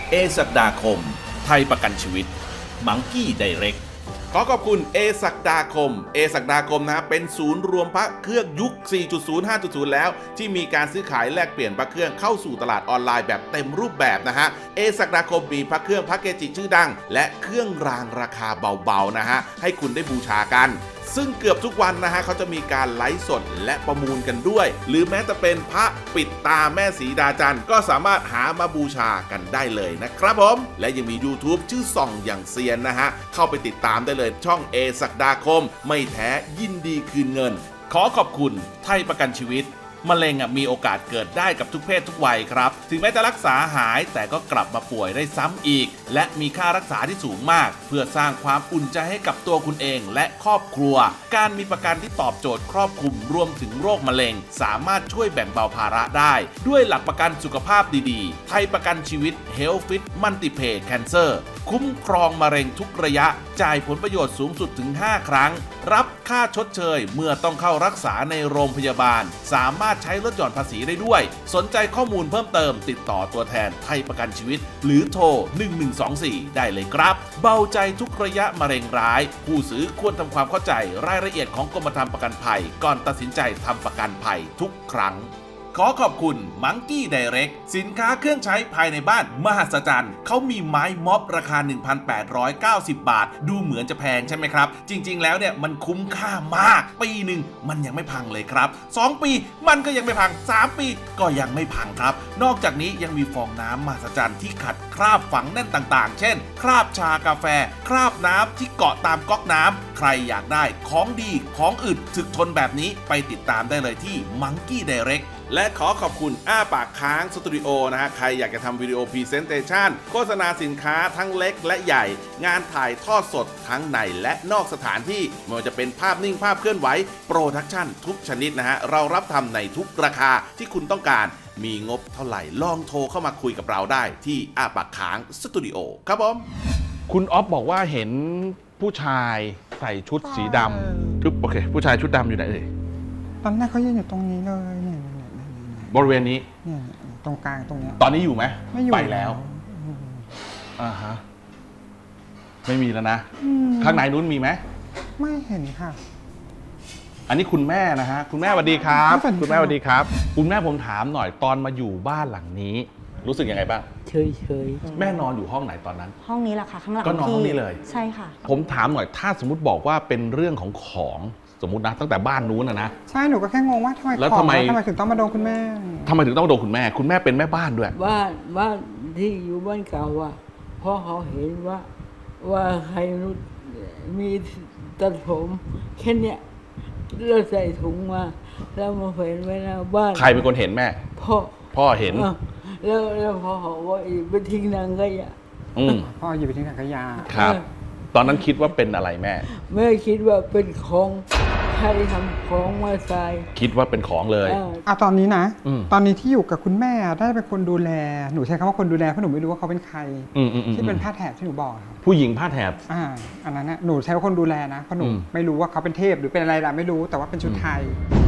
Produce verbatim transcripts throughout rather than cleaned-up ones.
เอศักดาคมไทยประกันชีวิตมังกี้ไดเรกขอขอบคุณเอศักดาคมเอศักดาคมนะเป็นศูนย์รวมพระเครื่องยุค สี่จุดศูนย์ ห้าจุดศูนย์ แล้วที่มีการซื้อขายแลกเปลี่ยนพระเครื่องเข้าสู่ตลาดออนไลน์แบบเต็มรูปแบบนะฮะเอศักดาคมมีพระเครื่องพระเกจิชื่อดังและเครื่องรางราคาเบาๆนะฮะให้คุณได้บูชากันซึ่งเกือบทุกวันนะฮะเขาจะมีการไลฟ์สดและประมูลกันด้วยหรือแม้แต่เป็นพระปิดตาแม่สีดาจันทร์ก็สามารถหามาบูชากันได้เลยนะครับผมและยังมี YouTube ชื่อส่องอย่างเซียนนะฮะเข้าไปติดตามได้เลยช่องเอศักดาคมไม่แท้ยินดีคืนเงินขอขอบคุณไทยประกันชีวิตมะเร็งมีโอกาสเกิดได้กับทุกเพศทุกวัยครับถึงแม้จะรักษาหายแต่ก็กลับมาป่วยได้ซ้ำอีกและมีค่ารักษาที่สูงมากเพื่อสร้างความอุ่นใจให้กับตัวคุณเองและครอบครัวการมีประกันที่ตอบโจทย์ครอบคลุมรวมถึงโรคมะเร็งสามารถช่วยแบ่งเบาภาระได้ด้วยหลักประกันสุขภาพดีๆไทยประกันชีวิต Health Fit Multipay Cancer คุ้มครองมะเร็งทุกระยะจ่ายผลประโยชน์สูงสุดถึงห้าครั้งรับค่าชดเชยเมื่อต้องเข้ารักษาในโรงพยาบาลสามารถใช้ลดหย่อนภาษีได้ด้วยสนใจข้อมูลเพิ่มเติมติดต่อตัวแทนไทยประกันชีวิตหรือโทรหนึ่งหนึ่งสองสี่ได้เลยครับเบาใจทุกระยะมะเร็งร้ายผู้ซื้อควรทำความเข้าใจรายละเอียดของกรมธรรม์ประกันภัยก่อนตัดสินใจทำประกันภัยทุกครั้งขอขอบคุณมังกี้ไดเรกสินค้าเครื่องใช้ภายในบ้านมหัศจรรย์เขามีไม้ม็อบราคา หนึ่งพันแปดร้อยเก้าสิบ บาทดูเหมือนจะแพงใช่ไหมครับจริงๆแล้วเนี่ยมันคุ้มค่ามากปีหนึ่งมันยังไม่พังเลยครับสองปีมันก็ยังไม่พังสามปีก็ยังไม่พังครับนอกจากนี้ยังมีฟองน้ำมหัศจรรย์ที่ขัดคราบฝังแน่นต่างๆเช่นคราบชากาแฟคราบน้ำที่เกาะตามก๊อกน้ำใครอยากได้ของดีของอึดถึกทนแบบนี้ไปติดตามได้เลยที่มังกี้ไดเรกและขอขอบคุณอ้าปากค้างสตูดิโอนะฮะใครอยากจะทำวิดีโอพรีเซนเตชันโฆษณาสินค้าทั้งเล็กและใหญ่งานถ่ายทอดสดทั้งในและนอกสถานที่ไม่ว่าจะเป็นภาพนิ่งภาพเคลื่อนไหวโปรดักชั่นทุกชนิดนะฮะเรารับทำในทุกราคาที่คุณต้องการมีงบเท่าไหร่ลองโทรเข้ามาคุยกับเราได้ที่อ้าปากค้างสตูดิโอครับผมคุณอ๊อฟบอกว่าเห็นผู้ชายใส่ชุดสีดำทุบโอเคผู้ชายชุดดำอยู่ไหนเอ่ยตอนแรกเขายืนอยู่ตรงนี้เลยเนี่ยบริเวณนี้เนี่ยตรงกลางตรงเนี้ยตอนนี้อยู่ไหมไม่อยู่ไปแล้วอ่าฮะไม่มีแล้วนะข้างในนู้นมีไหมไม่เห็นค่ะอันนี้คุณแม่นะฮะคุณแม่สวัสดีครับคุณแม่สวัสดีครับคุณแม่ผมถามหน่อยตอนมาอยู่บ้านหลังนี้รู้สึกยังไงบ้างเฉยเฉยแม่นอนอยู่ห้องไหนตอนนั้นห้องนี้แหละค่ะข้างหลังก็นอนห้องนี้เลยใช่ค่ะผมถามหน่อยถ้าสมมติบอกว่าเป็นเรื่องของของสมมตินะตั้งแต่บ้านนู้นนะนะใช่หนูก็แค่งงว่าทำไมแล้วทำไมทำไมถึงต้องมาโดนคุณแม่ทำไมถึงต้องโดนคุณแม่คุณแม่เป็นแม่บ้านด้วยบ้านบ้านที่อยู่บ้านเก่าอ่ะเพราะเขาเห็นว่าว่าใครรู้มีตัดผมแค่เนี้ยเราใส่ถุงมาแล้วมาเห็นไว้หน้าบ้านใครเป็นคนเห็นแม่พ่อพ่อเห็นแล้วแล้วพ่อเขาว่าไปทิ้งนางขยะพ่ออยู่ไปทิ้งถังขยะครับตอนนั้นคิดว่าเป็นอะไรแม่แม่คิดว่าเป็นของใครทำของมาใส่คิดว่าเป็นของเลยอ่ะตอนนี้นะตอนนี้ที่อยู่กับคุณแม่ได้เป็นคนดูแลหนูใช้คำว่าคนดูแลเพราะหนูไม่รู้ว่าเขาเป็นใครที่เป็นผ้าแถบที่หนูบอกครับผู้หญิงผ้าแถบอ่าอันนั้นนะหนูใช้ว่าคนดูแลนะเพราะหนูไม่รู้ว่าเขาเป็นเทพหรือเป็นอะไรล่ะไม่รู้แต่ว่าเป็นชุดไทย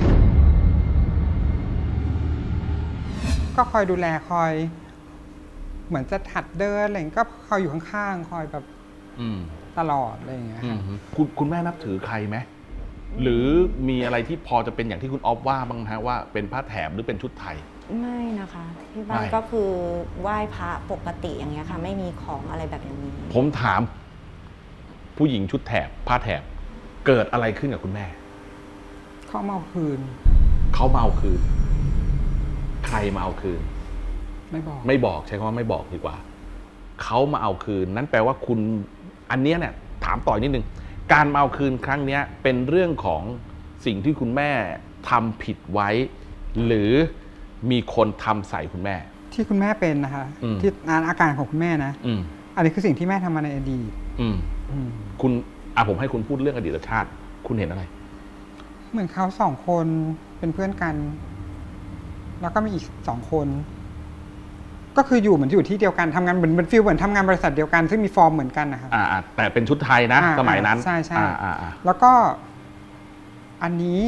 ก็คอยดูแลคอยเหมือนจะถัดเดินอะไรก็คอยอยู่ข้างๆคอยแบบตลอดอะไรอย่างเงี้ยคุณคุณแม่นับถือใครไหมหรือมีอะไรที่พอจะเป็นอย่างที่คุณออฟว่าบ้างฮะว่าเป็นผ้าแถบหรือเป็นชุดไทยไม่นะคะที่บ้านก็คือไหว้พระปกติอย่างเงี้ยค่ะไม่มีของอะไรแบบนี้ผมถามผู้หญิงชุดแถบผ้าแถบเกิดอะไรขึ้นกับคุณแม่เขามาเอาคืนเขามาเอาคืนใครมาเอาคืนไม่บอกไม่บอกใช้คำว่าไม่บอกดีกว่าเขามาเอาคืนนั่นแปลว่าคุณอันนี้เนี่ยถามต่อนิดนึงการมาเอาคืนครั้งนี้เป็นเรื่องของสิ่งที่คุณแม่ทำผิดไว้หรือมีคนทำใส่คุณแม่ที่คุณแม่เป็นนะคะที่อาการของคุณแม่นะอันนี้คือสิ่งที่แม่ทำมาในอดีตคุณอ่ะผมให้คุณพูดเรื่องอดีตชาติคุณเห็นอะไรเหมือนเขาสองคนเป็นเพื่อนกันแล้วก็มีอีกสองคนก็คืออยู่เหมือนอยู่ที่เดียวกันทำงานเหมือนเป็นฟิลเหมือนทำงานบริษัทเดียวกันซึ่งมีฟอร์มเหมือนกันนะคะอ่าแต่เป็นชุดไทยนะสมัยนั้นใช่ใช่แล้วก็อันนี้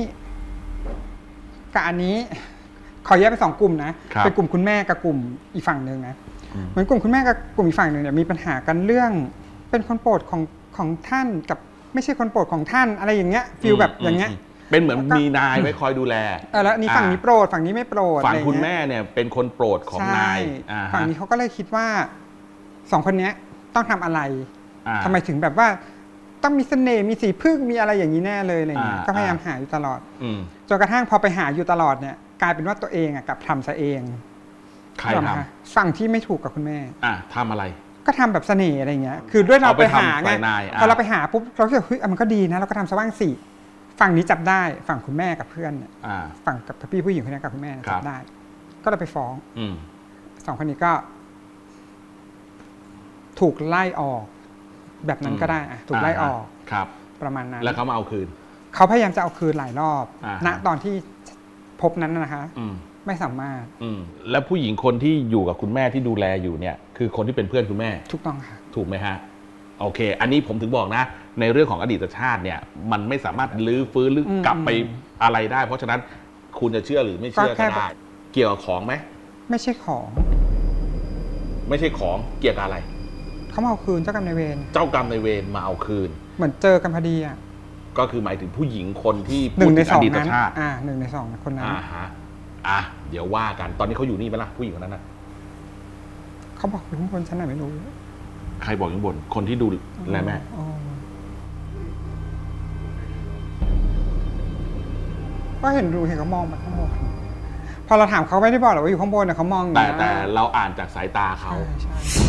กับอันนี้ขอแยกเป็นสองกลุ่มนะเป็นกลุ่มคุณแม่กับกลุ่มอีกฝั่งหนึ่งนะเหมือนกลุ่มคุณแม่กับกลุ่มอีกฝั่งหนึ่งเนี่ยมีปัญหากันเรื่องเป็นคนโปรดของของท่านกับไม่ใช่คนโปรดของท่านอะไรอย่างเงี้ยฟีลแบบอย่างเงี้ยเป็นเหมือนแล้วก็มีนายไว้คอยดูแลเออแล้วอันนี้ฝั่งนี้โปรดฝั่งนี้ไม่โปรดฝั่งอะไรคุณเงี้ยแม่เนี่ยเป็นคนโปรดของใช่นายอ่าฮะฝั่งนี้เขาก็เลยคิดว่าสองคนเนี้ยต้องทำอะไรอ่าทำไมถึงแบบว่าต้องมีเสน่ห์มีสีพึ่งมีอะไรอย่างนี้แน่เลยอะไรเงี้ยอ่าก็พยายามหาอยู่ตลอดอืมจนกระทั่งพอไปหาอยู่ตลอดเนี่ยกลายเป็นว่าตัวเองอะกลับทำซะเองใครนึกออกไหมทำคะฝั่งที่ไม่ถูกกับคุณแม่อ่ะทำอะไรก็ทำแบบเสน่ห์อะไรเงี้ยคือด้วยเราเอาไปไปหาทำไงใส่นายอ่ะพอเราไปหาปุ๊บเราก็คิดว่าเฮ้ยอ่ะมันก็ดีนะเราก็ทำซะบ้างสิฝั่งนี้จับได้ฝั่งคุณแม่กับเพื่อนเนี่ยอ่าฝั่งกับพี่ผู้หญิงคนนี้กับคุณแม่ครัจับบได้ ก็เลยไปฟ้องอืมสองคนนี้ก็ ถูกไล่ออก แบบนั้นก็ได้อะถูกไล่ออกครับประมาณนั้นแล้วเขามาเอาคืนเขาพยายามจะเอาคืนหลายรอบอ่าณตอนที่พบนั้นน่ะนะคะอืมไม่สามารถอืมแล้วผู้หญิงคนที่อยู่กับคุณแม่ที่ดูแลอยู่เนี่ย คือคนที่เป็นเพื่อนคุณแม่ถูกต้องค่ะถูกไหมฮะ โอเค อันนี้ผมถึงบอกนะ ในเรื่องของอดีตชาติเนี่ย มันไม่สามารถลื้อฟื้นหรืออืมกลับไปอะไรได้ เพราะฉะนั้นคุณจะเชื่อหรือไม่เชื่อก็แค่ก็ได้ เกี่ยวกับของไหมไม่ใช่ของไม่ใช่ของเกี่ยวกับอะไรเขามาเอาคืนเจ้ากรรมนายเวรเจ้ากรรมนายเวรมาเอาคืนเหมือนเจอกันพอดีอ่ะก็คือหมายถึงผู้หญิงคนที่หนึ่พูดงในถึงสอองดีตนั้นชาติอ่าหนึ่งในสองคนนั้นอ่าฮะอ่ะเดี๋ยวว่ากันตอนนี้เขาอยู่นี่ไหมล่ะผู้หญิงคนนั้นนะเขาบอกอยู่ข้างบนฉันไหนไม่รู้ใครบอกอยู่ข้างบนคนที่ดูแลแม่อ๋อก็เห็นดูเห็นเขามองมาข้างบนพอเราถามเขาไม่ได้บอกหรอกว่าอยู่ข้างบนแต่เขามองอย่างแต่เงี้ยแต่เราอ่านจากสายตาเขาใช่ใช่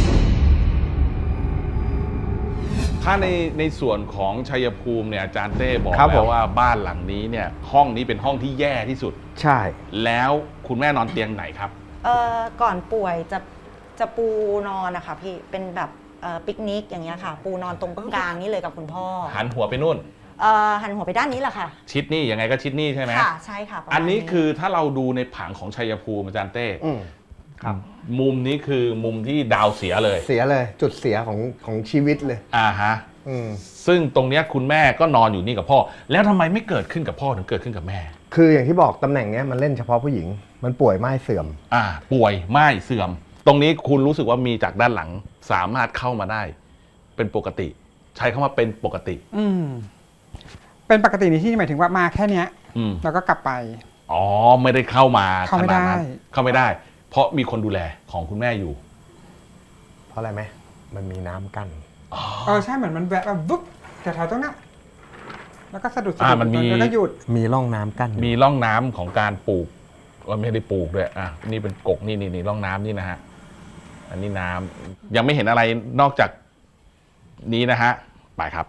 ถ้าในในส่วนของชัยภูมิเนี่ยอาจารย์เต้บอกครับแล้วผมว่าบ้านหลังนี้เนี่ยห้องนี้เป็นห้องที่แย่ที่สุดใช่แล้วคุณแม่นอนเตียงไหนครับเอ่อก่อนป่วยจะจะปูนอนนะคะพี่เป็นแบบเอ่อปิกนิกอย่างเงี้ยค่ะ ปูนอนตรงกลางนี่เลยกับคุณพ่อหันหัวไปนู่นเอ่อหันหัวไปด้านนี้แหละค่ะชิดนี่ยังไงก็ชิดนี่ใช่ไหมค่ะใช่ค่ะประมาณอันนี้คือถ้าเราดูในผังของชัยภูมิอาจารย์เต้อืมครับมุมนี้คือมุมที่ดาวเสียเลยเสียเลยจุดเสียของของชีวิตเลยอ่าฮะอืมซึ่งตรงเนี้ยคุณแม่ก็นอนอยู่นี่กับพ่อ แล้วทำไมไม่เกิดขึ้นกับพ่อถึงเกิดขึ้นกับแม่คืออย่างที่บอกตำแหน่งเนี้ยมันเล่นเฉพาะผู้หญิง มันป่วยไม่เสื่อมอ่า ป่วยไม่เสื่อม ตรงนี้คุณรู้สึกว่ามีจากด้านหลังสามารถเข้ามาได้ เป็นปกติ ใช้คำว่าเป็นปกติอืมเป็นปกติในที่หมายถึงว่ามาแค่เนี้ยอืมแล้วก็กลับไปอ๋อไม่ได้เข้ามาเข้าไม่ได้ขนนั้นเข้าไม่ได้ เพราะมีคนดูแลของคุณแม่อยู่เพราะอะไรไหมมันมีน้ำกั้นเออใช่เหมือนมันแวะแบบวุ๊บแต่แถวตรงนั้นแล้วก็สะดุดสะอ่าดุดมันมีแล้วก็หยุดมีร่องน้ำกั้นอยู่มีร่องน้ำของการปลูกว่าไม่ได้ปลูกด้วยอ่ะนี่เป็นกกนี่นี่นี่ร่องน้ำนี่นะฮะอันนี้น้ำยังไม่เห็นอะไรนอกจากนี้นะฮะไปครับ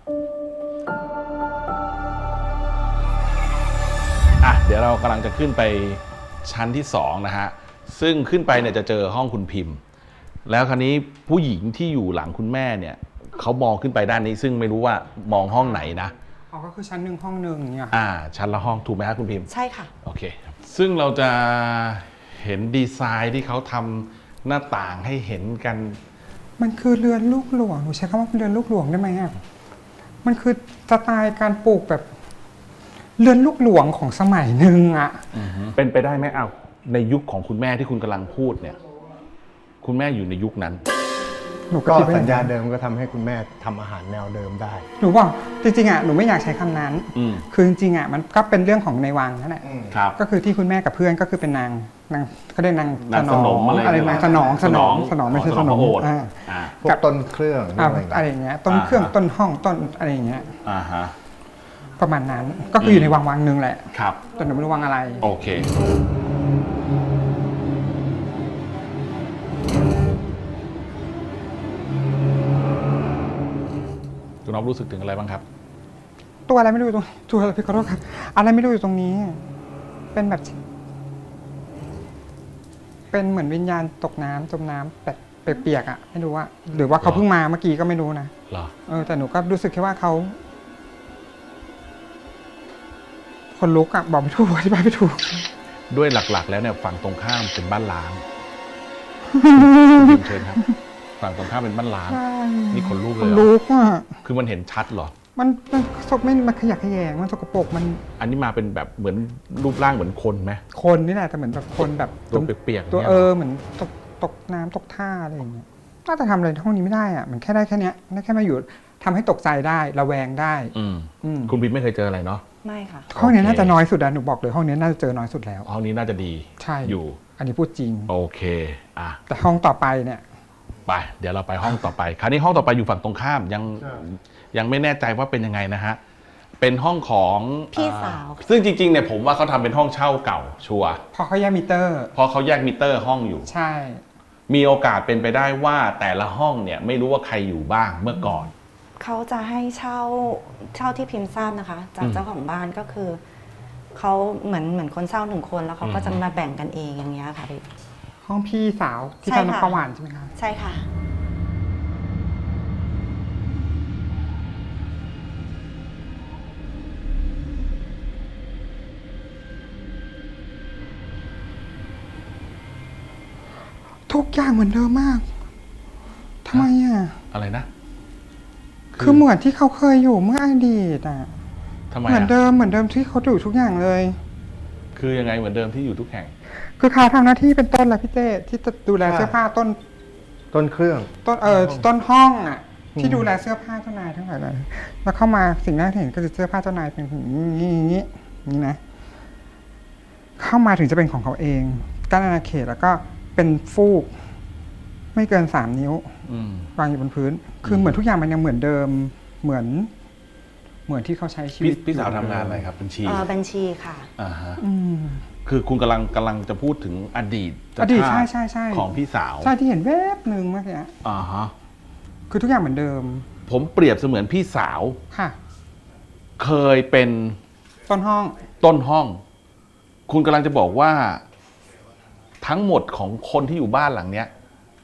อ่ะเดี๋ยวเรากำลังจะขึ้นไปชั้นที่สองนะฮะซึ่งขึ้นไปเนี่ยจะเจอห้องคุณพิมพ์ แล้วคราวนี้ผู้หญิงที่อยู่หลังคุณแม่เนี่ยเขามองขึ้นไปด้านนี้ ซึ่งไม่รู้ว่ามองห้องไหนนะอ๋อก็คือชั้นหนึ่งห้องหนึ่งเนี่ยอ่าชั้นละห้องถูกไหมครับคุณพิมพ์ใช่ค่ะโอเค ซึ่งเราจะเห็นดีไซน์ที่เขาทำหน้าต่างให้เห็นกันมันคือเรือนลูกหลวงหนูใช้คำว่าเป็นเรือนลูกหลวงได้ไหมอ่ะมันคือสไตล์การปลูกแบบ เรือนลูกหลวงของสมัยหนึ่งอ่ะเป็นไปได้ไหมเอาในยุคของคุณแม่ที่คุณกำลังพูดเนี่ย คุณแม่อยู่ในยุคนั้นหนูก็ก็คิดว่าสัญญาเดิมก็ทำให้คุณแม่ทำอาหารแนวเดิมได้หนูบอกจริงๆอ่ะหนูไม่อยากใช้คำนั้นอืมคือจริงๆอ่ะมันก็เป็นเรื่องของในวังนั่นแหละครับก็คือที่คุณแม่กับเพื่อนก็คือเป็นนางนางเขาเรียกนางนางสนมอะไรอะไรเนี่ยนางสนองสนองสนองไม่ใช่สสนนออง งพระโอษฐ์อ่าอ่าพวกต้นเครื่องอ่าอะไรอะไรอย่างเงี้ยต้นเครื่องอ่าฮะต้นห้องต้นอะไรอย่างเงี้ยอ่าฮะประมาณนั้นก็คืออยู่ในวังวังหนึ่งแหละครับแต่หนูไม่รู้วังอะไรโอเค คุณน้องรู้สึกถึงอะไรบ้างครับตัวอะไรไม่รู้อยู่ตรงตัวอะไรพี่ขอโทษครับอะไรไม่รู้อยู่ตรงนี้ เป็นแบบ เป็นเหมือนวิญญาณตกน้ำจมน้ำแบบเปียกๆอ่ะไม่รู้ว่า หรือว่าเขาเพิ่งมาเมื่อกี้ก็ไม่รู้นะเหรอเออแต่หนูก็รู้สึกแค่ว่าเขาคนลุกอ่ะบอกไม่ถูกอธิบายไม่ถูกด้วยหลักๆ แล้วเนี่ยฝั่งตรงข้ามเป็นบ้านล้างคุณพิมพ์เชิญครับ ฝั่งตรงข้ามเป็นบ้านล้าง นี่ขนลุกคเลยนเหรลุอกอ่ะคือมันเห็นชัดเหรอมันมันศพไม่มันขยักขยงมันสกปรกมันอันนี้มาเป็นแบบเหมือนรูปร่างเหมือนคนไหมคนนี่แหละแต่เหมือนแบบคนแบบตัวเปียกๆตัวนี่ยเออเหมือนตกตกน้ำตกท่าอะไรอย่างเงี้ยน่าจะทำอะไรห้องนี้ไม่ได้อะมันแค่ได้แค่เนี้ยได้แค่มาอยู่ทำให้ตกใจได้ระแวงได้อืมอืมคุณพิมไม่เคยเจออะไรเนาะไม่ค่ะห้องนี้โอเคน่าจะน้อยสุดอะหนูบอกเลยห้องนี้น่าจะเจอน้อยสุดแล้วห้องนี้น่าจะดีใช่อยู่อันนี้พูดจริงโอเคอ่ะแต่ห้องต่อไปเนี่ยไปเดี๋ยวเราไปห้องต่อไป คราวนี้ห้องต่อไปอยู่ฝั่งตรงข้ามยังยังไม่แน่ใจว่าเป็นยังไงนะฮะเป็นห้องของพี่สาวอ่ซึ่งจริงๆเนี่ยผมว่าเขาทำเป็นห้องเช่าเก่าชัวร์พอเขาแยกมิเตอร์เพราะเขาแยกมิเตอร์ห้องอยู่ใช่มีโอกาสเป็นไปได้ว่าแต่ละห้องเนี่ยไม่รู้ว่าใครอยู่บ้างเมื่อก่อนเขาจะให้เช่าเช่าที่พิมพ์ทราบนะคะ จากอืมเจ้าของบ้านก็คือเขาเหมือนเหมือนคนเช่าหนึ่งคนแล้วเขาก็อืมจะมาแบ่งกันเองอย่างเงี้ยค่ะพี่ห้องพี่สาวที่ใช่ทำค่ะน้ำประหวานใช่ไหมคะใช่ค่ะทุกอย่างเหมือนเดิมมากทำไมอ่ะอะไรนะคือเหมือนที่เขาเคยอยู่เมื่ออดีตอ่ะทำไมเหมือนอ่ะเดิมเหมือนเดิมที่เขาอยู่ทุกอย่างเลยคือยังไงเหมือนเดิมที่อยู่ทุกแห่งคือเขาทำหน้าที่เป็นต้นแหละพี่เต้ที่จะดูแลใช่เสื้อผ้าต้นต้นเครื่องต้นเออต้นห้องอ่ะ ที่ดูแลเสื้อผ้าเจ้านายทั้งหลายเลยแล้วเข้ามาสิ่งแรกที่เห็นก็คือเสื้อผ้าเจ้านายเป็นอย่างนี้อย่างนี้อย่างนี้นี่นะ เข้ามาถึงจะเป็นของเขาเองกั้นอาณาเขตแล้วก็เป็นฟูก ไม่เกินสามนิ้วอืมวางอยู่บนพื้น คือเหมือนทุกอย่างมันยังเหมือนเดิม เหมือน เหมือนที่เขาใช้ชีวิพี่ตพี่สาวอยู่ทำงานอะไรครับบัญชีเออบัญชีค่ะอ่าฮะอืมคือคุณกำลังกำลังจะพูดถึงอดีตอดีตชาใช่ติใช่ใช่ของพี่สาวใช่ที่เห็นแวบหนึ่งเมื่อกี้อ่าฮะคือทุกอย่างเหมือนเดิมผมเปรียบเสมือนพี่สาวค่ะเคยเป็นต้นห้องต้นห้อง คุณกำลังจะบอกว่า ทั้งหมดของคนที่อยู่บ้านหลังเนี้ย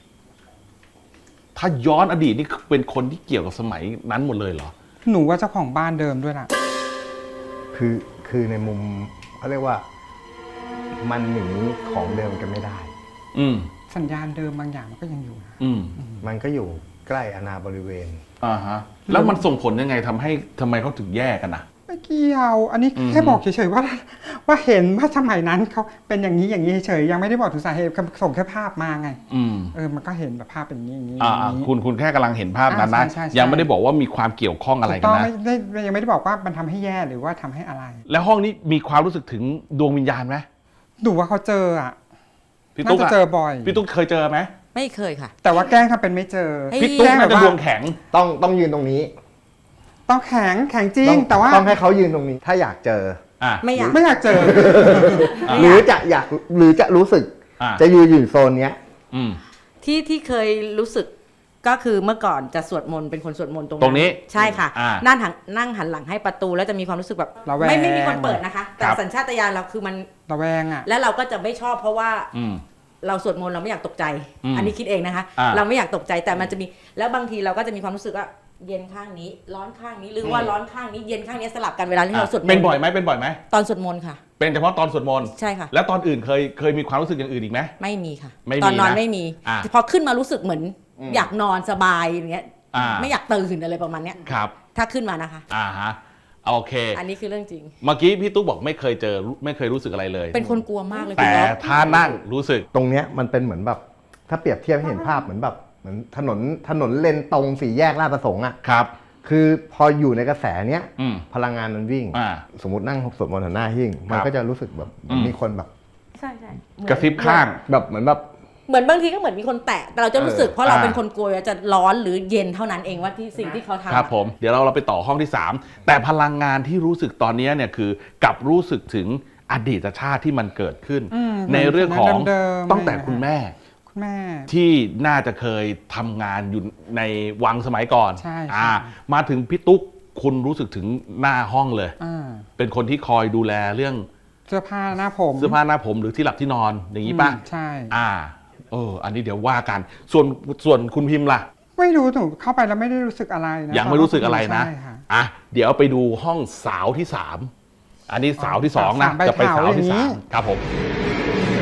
ถ้าย้อนอดีตนี่เป็นคนที่เกี่ยวกับสมัยนั้นหมดเลยเหรอหนูว่าเจ้าของบ้านเดิมด้วยล่ะคือคือในมุมเขาเรียกว่า มันหนีของเดิมกันไม่ได้อืมสัญญาณเดิมบางอย่างมันก็ยังอยู่นะอืมมันก็อยู่ใกล้อาณาบริเวณอ่าฮะ แล้วมันส่งผลยังไงทำให้ทำไมเขาถึงแยกกันนะไม่เกี่ยว อันนี้อืมแค่บอกเฉยๆว่า ว่าเห็นว่าสมัยนั้นเขาเป็นอย่างนี้อย่างนี้เฉยๆยังไม่ได้บอกถึงสาเหตุส่งแค่ภาพมาไงอืมเออมันก็เห็นแบบภาพเป็นอย่างนี้อย่างนี้อ่าอย่างอ่านี้คุณคุณแค่กำลังเห็นภาพนั้นนะอ่าใช่ใช่ใช่ยังไม่ได้บอกว่ามีความเกี่ยวข้องอะไรถูกกัต้นองนะไม่ได้ยังไม่ได้บอกว่ามันทำให้แย่หรือว่าทำให้อะไรแล้วห้องนี้มีความรู้สึกถึงดวงวิญญาณไหมดูว่าเขาเจออ่ะพี่น่าตุ๊กจะอะเจอบ่อยพี่ตุ๊กเคยเจอไหมไม่เคยค่ะแต่ว่าแกล้งทำเป็นไม่เจอเฮ้ยพี่ตุ๊กแกล้งน่าแบบจะว่าดวงแข็งต้องต้องยืนตรงนี้ต้องแข็งแข็งจริต้งองแต่ว่าต้องให้เขายืนตรงนี้ ถ้าอยากเจออ่ะไม่อยากไม่อยากเจอหรือจะอยากหรือจะรู้สึกอ่ะจะยืนอยู่โซนเนี้ยอืมที่ที่เคยรู้สึกก็คือเมื่อก่อนจะสวดมนต์เป็นคนสวดมนต์ตรงตรงนี้ใช่ค่ะอ่านั่งหันนั่งหันหลังให้ประตูแล้วจะมีความรู้สึกแบบระแวงไม่ไม่มีคนเปิดนะคะ แต่ครับสัญชาตญาณเราคือมันระแวงอ่ะแล้วเราก็จะไม่ชอบเพราะว่าอืมเราสวดมนต์เราไม่อยากตกใจอืมอันนี้คิดเองนะคะอ่าเราไม่อยากตกใจแต่มันจะมีแล้วบางทีเราก็จะมีความรู้สึกว่าเย็นข้างนี้ ร้อนข้างนี้หรือว่าร้อนข้างนี้เย็นข้างนี้สลับกันเวลาที่เราสวดมนต์เป็นบ่อยไหมเป็นบ่อยไหมตอนสวดมนต์ค่ะเป็นเฉพาะตอนสวดมนต์ใช่ค่ะแล้วตอนอื่นเคยเคยมีความรู้สึกอย่างอื่นอีกไหมไม่มีค่ะไม่มีตอนนอนนะไม่มีอ่าพอขึ้นมารู้สึกเหมือนอืมอยากนอนสบายอย่างเงี้ยอ่าไม่อยากตื่นอะไรประมาณเนี้ยครับถ้าขึ้นมานะคะอ่าฮะโอเคอันนี้คือเรื่องจริงเมื่อกี้พี่ตุ๊กบอกไม่เคยเจอไม่เคยรู้สึกอะไรเลยเป็นคนกลัวมากเลยแต่คุณอ๊อฟถ้านั่งรู้สึกตรงเนี้ยมันเป็นเหมือนแบบ ถ้าเปรียบเทียบให้เห็นภาพเหมือนแบบเหมือนถนนถนนเลนตรงสี่แยกลาดประสงค์อ่ะครับคือพออยู่ในกระแสเนี้ยอืมพลังงานมันวิ่งอ่าสมมตินั่งสวดมนต์หันหน้าหิ้ง มันครับก็จะรู้สึกแบบอืมมีคนแบบใช่ใช่กระซิบข้างแบบเหมือนแบบเหมือนบางทีก็เหมือนมีคนแตะแต่เราจะรู้สึกเออเพราะเราอ่าเป็นคนกลัวจะร้อนหรือเย็นเท่านั้นเองว่าที่สิ่งที่เขาทำครับผมเดี๋ยวเราเราไปต่อห้องที่สามแต่พลังงานที่รู้สึกตอนนี้เนี่ยคือกลับรู้สึกถึงอดีตชาติที่มันเกิดขึ้นอืมในเรื่องของเดิมๆตั้งแต่อะไรนะคุณแม่คุณแม่ที่น่าจะเคยทำงานอยู่ในวังสมัยก่อนใช่อ่าใช่มาถึงพี่ตุ๊กคุณรู้สึกถึงหน้าห้องเลยอ่าเป็นคนที่คอยดูแลเรื่องเสื้อผ้าหน้าผมเสื้อผ้าหน้าผมหรือที่หลับที่นอนอย่างนี้ป่ะอืมใช่อ่าเอออันนี้เดี๋ยวว่ากัน ส่วนส่วนคุณพิมพ์ล่ะไม่รู้หนูเข้าไปแล้วไม่ได้รู้สึกอะไรนะยังไม่รู้สึกอะไรนะใช่ค่อ่ะ เดี๋ยวไปดูห้องสาวที่สาม อันนี้สาวที่สองนะสามใบจะไปสาวที่เถาอย่างนี้สามครับผม